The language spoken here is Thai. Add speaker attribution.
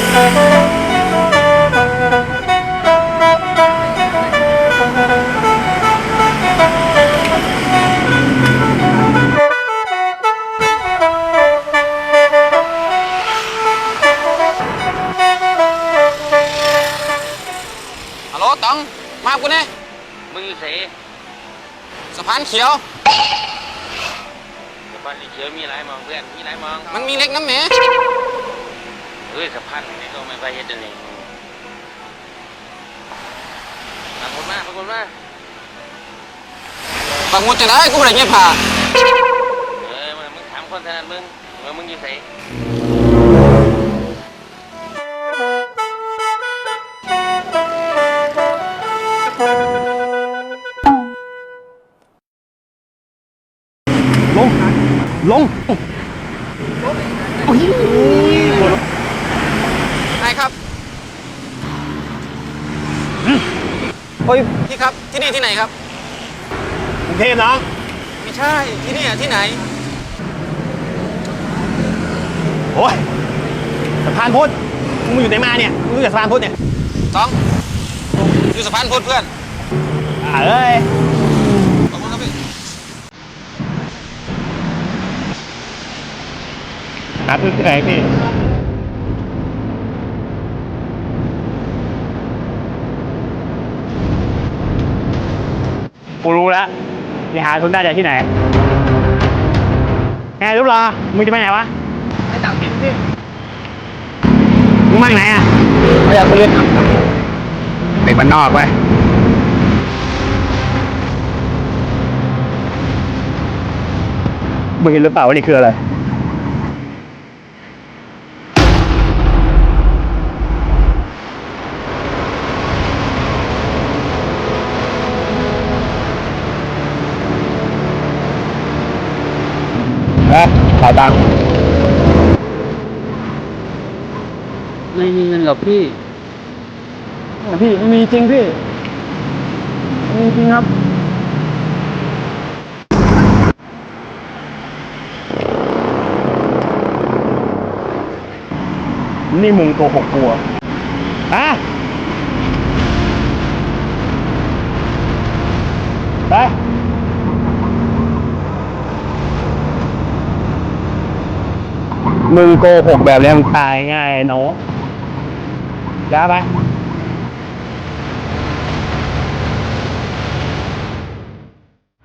Speaker 1: ฮัลโหลต๋องมากูเนี่ย
Speaker 2: มึงอยู่เส
Speaker 1: สะพานเขียว
Speaker 2: สะพานเขียวมีหลายมองเพื่อนมีหลายมอง
Speaker 1: มันมีเล็กน้ำแหม
Speaker 2: เฮ้ยสะพานนี่ก็ไม่ไปเฮ็ดอันนี้ปรากฏมา
Speaker 1: ปักหมุดจะได้กูไม่ได้เงี้ยผ่า
Speaker 2: มึงถามคนถนัดมึงว่ามึงอยู่เส
Speaker 3: ลง
Speaker 1: นายครับโอ้ยพี่ครับที่นี่ที่ไหนครับ
Speaker 3: กรุงเทพน้อง
Speaker 1: ไม่ใช่ที่นี่ที่ไหน
Speaker 3: โอ้ยสะพานพุทธมึงอยู่ไหนมาเนี่ยมึงอยู่สะพานพุทธเนี่ย
Speaker 1: ต้องอยู่สะพานพุทธเพื่อน
Speaker 3: เอ้ย
Speaker 1: ขอบคุณครับพี่
Speaker 3: หาพื้นที่ไหนพี่กูรู้แล้วจะหาทุนได้จากที่ไหนไงรู้หรอมึงจะไปไหนวะไปต่างถิ่นสิมึงมาไหนอ่ะไม่อยากไปเล่นเด็กบ้านนอกไปมึงเห็นหรือเปล่าว่านี่คืออะไรขายตังค์
Speaker 2: ไม่มีเงินกับพี่
Speaker 3: ไม่มีจริงพี่ไม่มีจริงครับนี่มึงโกหกกูอ่ะไปมึงโกหกแบบนี้มึงตายง่ายเนาะย้าไป